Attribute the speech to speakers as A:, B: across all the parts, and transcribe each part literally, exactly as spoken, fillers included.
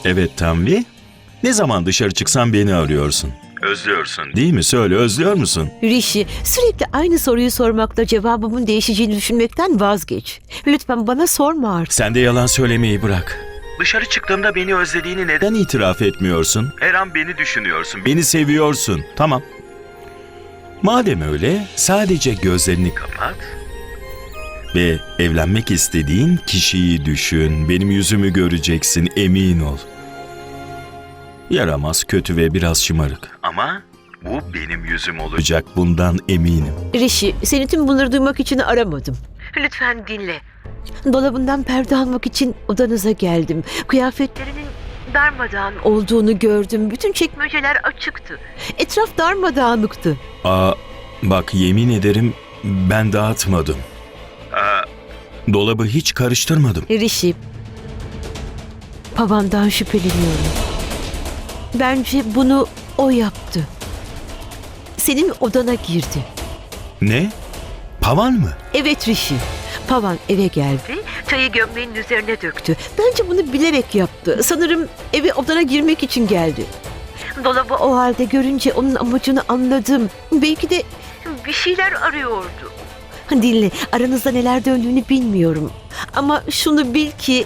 A: Evet Tanvi. Ne zaman dışarı çıksan beni arıyorsun. Özlüyorsun değil mi? Söyle, özlüyor musun?
B: Rishi, sürekli aynı soruyu sormakla cevabımın değişeceğini düşünmekten vazgeç. Lütfen bana sorma artık.
A: Sen de yalan söylemeyi bırak. Dışarı çıktığımda beni özlediğini neden itiraf etmiyorsun? Her an beni düşünüyorsun, beni seviyorsun. Tamam. Madem öyle, sadece gözlerini kapat ve evlenmek istediğin kişiyi düşün. Benim yüzümü göreceksin, emin ol. Yaramaz, kötü ve biraz şımarık. Ama bu benim yüzüm olacak, bundan eminim.
B: Rishi, seni tüm bunları duymak için aramadım. Lütfen dinle. Dolabından perde almak için odanıza geldim. Kıyafetlerinin darmadağın olduğunu gördüm. Bütün çekmeceler açıktı. Etraf darmadağınıktı.
A: Aa, bak yemin ederim ben dağıtmadım. Aa, dolabı hiç karıştırmadım.
B: Rishi, Pavan'dan şüpheleniyorum. Bence bunu o yaptı. Senin odana girdi.
A: Ne? Pavan mı?
B: Evet Rishi. Pavan eve geldi, çayı gömleğinin üzerine döktü. Bence bunu bilerek yaptı. Sanırım eve odana girmek için geldi. Dolabı o halde görünce onun amacını anladım. Belki de bir şeyler arıyordu. Dinle, aranızda neler döndüğünü bilmiyorum. Ama şunu bil ki...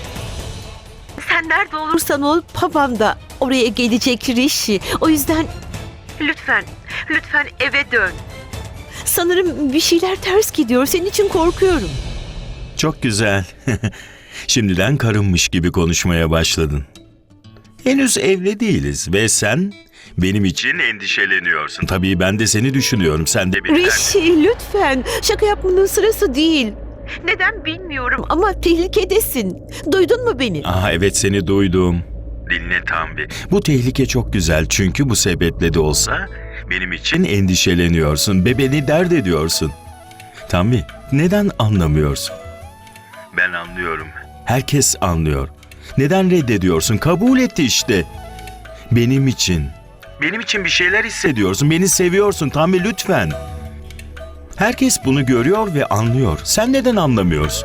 B: Sen nerede olursan ol, Pavan da oraya gelecek Rishi. O yüzden lütfen, lütfen eve dön. Sanırım bir şeyler ters gidiyor. Senin için korkuyorum.
A: Çok güzel. Şimdiden karınmış gibi konuşmaya başladın. Henüz evli değiliz ve sen benim için endişeleniyorsun. Tabii ben de seni düşünüyorum. Sen de beni...
B: Rishi, lütfen. Şaka yapmanın sırası değil. Neden bilmiyorum ama tehlikedesin. Duydun mu beni?
A: Aha evet, seni duydum. Dinle Tanvi. Bu tehlike çok güzel çünkü bu sebeple de olsa benim için endişeleniyorsun ve beni dert ediyorsun. Tanvi, neden anlamıyorsun? Ben anlıyorum. Herkes anlıyor. Neden reddediyorsun? Kabul etti işte. Benim için. Benim için bir şeyler hissediyorsun. Beni seviyorsun Tanvi, lütfen. Herkes bunu görüyor ve anlıyor. Sen neden anlamıyorsun?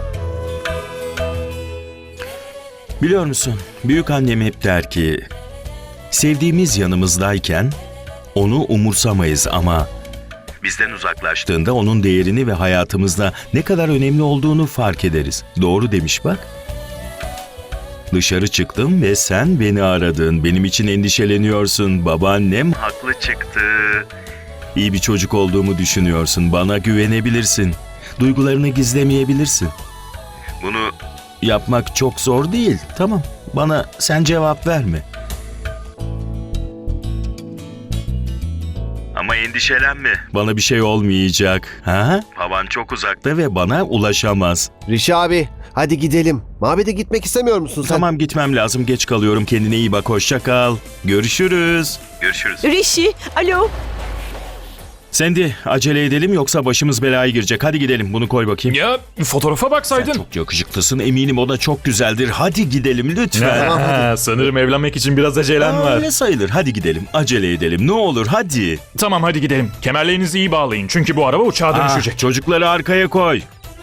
A: Biliyor musun? Büyükannem hep der ki, sevdiğimiz yanımızdayken onu umursamayız ama bizden uzaklaştığında onun değerini ve hayatımızda ne kadar önemli olduğunu fark ederiz. Doğru demiş bak. Dışarı çıktım ve sen beni aradın. Benim için endişeleniyorsun. Babaannem haklı çıktı. İyi bir çocuk olduğumu düşünüyorsun. Bana güvenebilirsin. Duygularını gizlemeyebilirsin. Bunu yapmak çok zor değil. Tamam. Bana sen cevap verme. Ama endişelenme. Bana bir şey olmayacak. Ha? Havan çok uzakta ve bana ulaşamaz.
C: Rishi abi, hadi gidelim. Mabede gitmek istemiyor musun sen?
A: Tamam, gitmem lazım. Geç kalıyorum. Kendine iyi bak. Hoşça kal. Görüşürüz. Görüşürüz.
B: Rishi, alo.
A: Sandy, acele edelim yoksa başımız belaya girecek. Hadi gidelim. Bunu koy bakayım.
D: Ya fotoğrafa
A: Sen
D: baksaydın.
A: çok yakışıklısın. Eminim o da çok güzeldir. Hadi gidelim lütfen.
D: Ha, sanırım evlenmek için biraz acelen
A: Aa,
D: var.
A: öyle sayılır. Hadi gidelim. Acele edelim. Ne olur hadi.
D: Tamam hadi gidelim. Kemerlerinizi iyi bağlayın çünkü bu araba uçağa
A: Ah,
D: dönüşecek.
A: çocukları arkaya koy.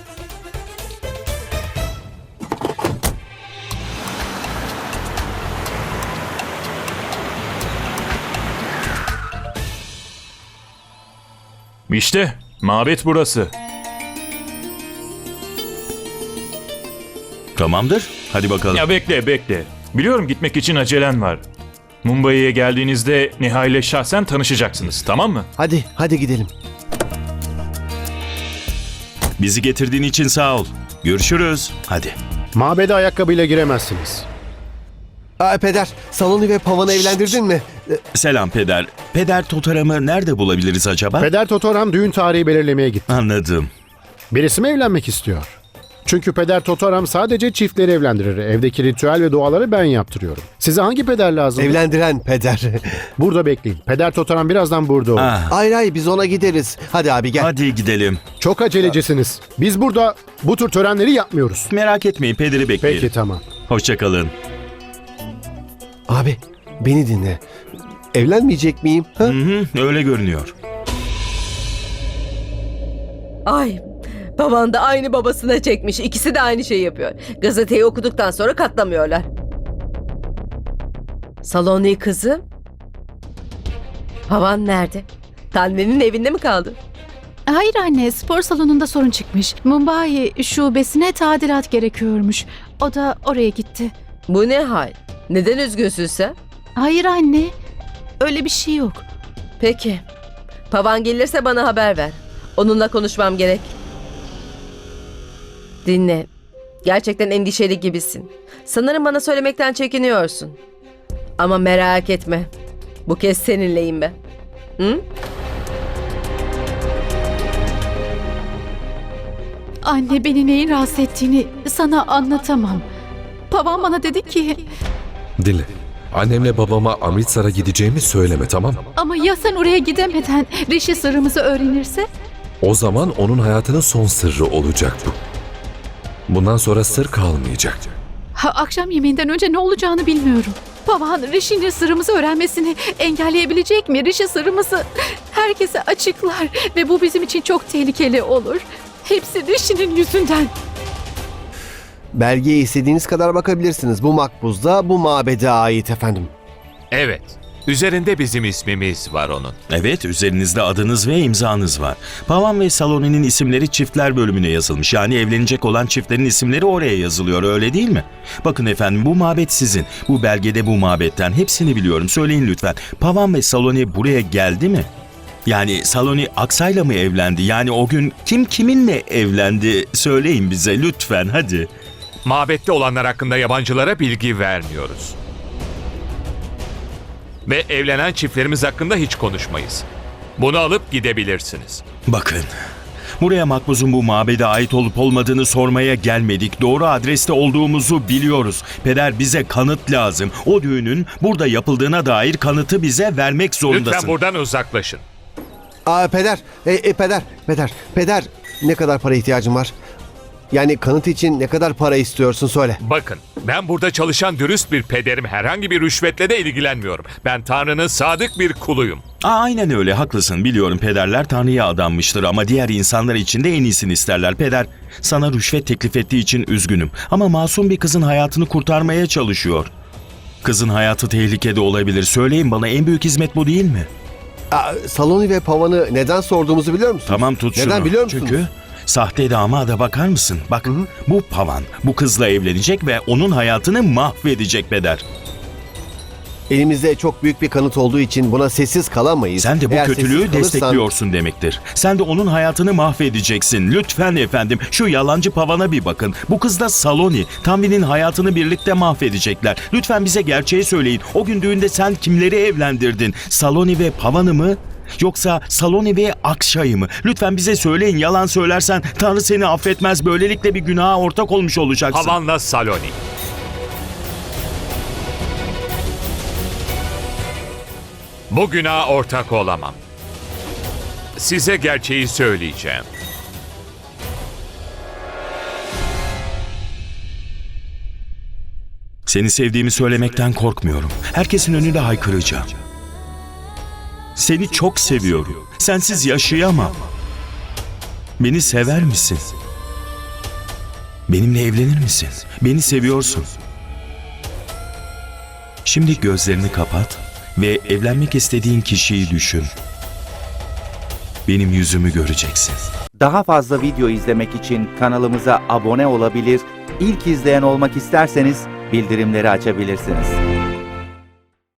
D: İşte mabet burası.
A: Tamamdır. Hadi bakalım.
D: Ya bekle bekle. Biliyorum gitmek için acelen var. Mumbai'ye geldiğinizde Neha ile şahsen tanışacaksınız, tamam mı?
C: Hadi, hadi gidelim.
A: Bizi getirdiğin için sağ ol. Görüşürüz. Hadi.
E: Mabede ayakkabıyla giremezsiniz.
C: Aa, peder, Saloni ve Pavan'ı evlendirdin mi? Ee,
A: Selam peder. Peder Totaram'ı nerede bulabiliriz acaba?
E: Peder Totoram düğün tarihi belirlemeye gitti.
A: Anladım.
E: Birisi mi evlenmek istiyor? Çünkü Peder Totoram sadece çiftleri evlendirir. Evdeki ritüel ve duaları ben yaptırıyorum. Size hangi peder lazım?
C: Evlendiren peder.
E: Burada bekleyin. Peder Totoram birazdan burada olur.
A: Ah,
C: Hayır hayır, biz ona gideriz. Hadi abi gel.
A: hadi gidelim.
E: Çok acelecisiniz. Biz burada bu tür törenleri yapmıyoruz.
A: Merak etmeyin, pederi bekleyelim.
E: Peki tamam.
A: Hoşça kalın.
C: Abi, beni dinle. Evlenmeyecek miyim? Ha?
A: Hı hı, öyle görünüyor.
F: Ay, baban da aynı babasına çekmiş. İkisi de aynı şeyi yapıyor. Gazeteyi okuduktan sonra katlamıyorlar. Saloni kızım. Pavan nerede? Tanvi'nin evinde mi kaldı?
G: Hayır anne, spor salonunda sorun çıkmış. Mumbai şubesine tadilat gerekiyormuş. O da oraya gitti.
F: Bu ne hal? Neden üzgünsün sen?
G: Hayır anne, öyle bir şey yok.
F: Peki. Pavan gelirse bana haber ver. Onunla konuşmam gerek. Dinle. Gerçekten endişeli gibisin. Sanırım bana söylemekten çekiniyorsun. Ama merak etme. Bu kez seninleyim ben. Hı?
G: Anne, beni neyin rahatsız ettiğini sana anlatamam. Babam bana dedi ki,
H: Dinle. Annemle babama Amritsar'a gideceğimi söyleme, tamam mı?
G: ama ya sen oraya gidemeden Rishi sırrımızı öğrenirse?
H: O zaman onun hayatının son sırrı olacak bu. Bundan sonra sır kalmayacak.
G: Ha, akşam yemeğinden önce ne olacağını bilmiyorum. Baban Rishi'nin sırrımızı öğrenmesini engelleyebilecek mi? Rishi sırrımızı herkese açıklar ve bu bizim için çok tehlikeli olur. Hepsi Rishi'nin yüzünden.
C: Belgeye istediğiniz kadar bakabilirsiniz. Bu makbuz da bu mabede ait efendim.
I: Evet. Üzerinde bizim ismimiz var onun.
A: Evet, üzerinizde adınız ve imzanız var. Pavan ve Saloni'nin isimleri çiftler bölümüne yazılmış. Yani evlenecek olan çiftlerin isimleri oraya yazılıyor, öyle değil mi? Bakın efendim, bu mabet sizin. Bu belgede bu mabetten hepsini biliyorum. Söyleyin lütfen. Pavan ve Saloni buraya geldi mi? Yani Saloni Aksa'yla mı evlendi? Yani o gün kim kiminle evlendi? Söyleyin bize lütfen, hadi.
I: Mabette olanlar hakkında yabancılara bilgi vermiyoruz. Ve evlenen çiftlerimiz hakkında hiç konuşmayız. Bunu alıp gidebilirsiniz.
A: Bakın, buraya makbuzun bu mabede ait olup olmadığını sormaya gelmedik. Doğru adreste olduğumuzu biliyoruz. Peder, bize kanıt lazım. O düğünün burada yapıldığına dair kanıtı bize vermek zorundasın.
I: Lütfen buradan uzaklaşın.
C: Aa peder, e, e, peder, peder, peder. Ne kadar para ihtiyacın var? Yani kanıt için ne kadar para istiyorsun söyle.
I: Bakın, ben burada çalışan dürüst bir pederim. Herhangi bir rüşvetle de ilgilenmiyorum. Ben Tanrı'nın sadık bir kuluyum.
A: Aa, aynen öyle, haklısın. Biliyorum, pederler Tanrı'ya adanmıştır ama diğer insanlar için de en iyisini isterler. Peder, sana rüşvet teklif ettiği için üzgünüm. Ama masum bir kızın hayatını kurtarmaya çalışıyor. Kızın hayatı tehlikede olabilir. Söyleyin bana, en büyük hizmet bu değil mi?
C: Aa, Saloni ve Pavan'ı neden sorduğumuzu biliyor musun?
A: Tamam, tut şunu.
C: Neden biliyor musunuz?
A: Çünkü sahte damada bakar mısın? Bak, bu Pavan bu kızla evlenecek ve onun hayatını mahvedecek peder.
C: Elimizde çok büyük bir kanıt olduğu için buna sessiz kalamayız.
A: Sen de bu
C: Eğer
A: kötülüğü
C: sessiz kalırsan-
A: destekliyorsun demektir. Sen de onun hayatını mahvedeceksin. Lütfen efendim, şu yalancı Pavan'a bir bakın. Bu kız da Saloni. Tanvi'nin hayatını birlikte mahvedecekler. Lütfen bize gerçeği söyleyin. O gün düğünde sen kimleri evlendirdin? Saloni ve Pavan'ı mı? Yoksa Saloni ve Akşay'ı mı? Lütfen bize söyleyin. Yalan söylersen Tanrı seni affetmez. Böylelikle bir günaha ortak olmuş olacaksın.
I: Havanla Saloni. Bu günaha ortak olamam. Size gerçeği söyleyeceğim.
A: Seni sevdiğimi söylemekten korkmuyorum. Herkesin önünde haykıracağım. Seni çok seviyorum. Sensiz yaşayamam. Beni sever misin? Benimle evlenir misin? Beni seviyorsun. Şimdi gözlerini kapat ve evlenmek istediğin kişiyi düşün. Benim yüzümü göreceksin.
J: Daha fazla video izlemek için kanalımıza abone olabilir, ilk izleyen olmak isterseniz bildirimleri açabilirsiniz.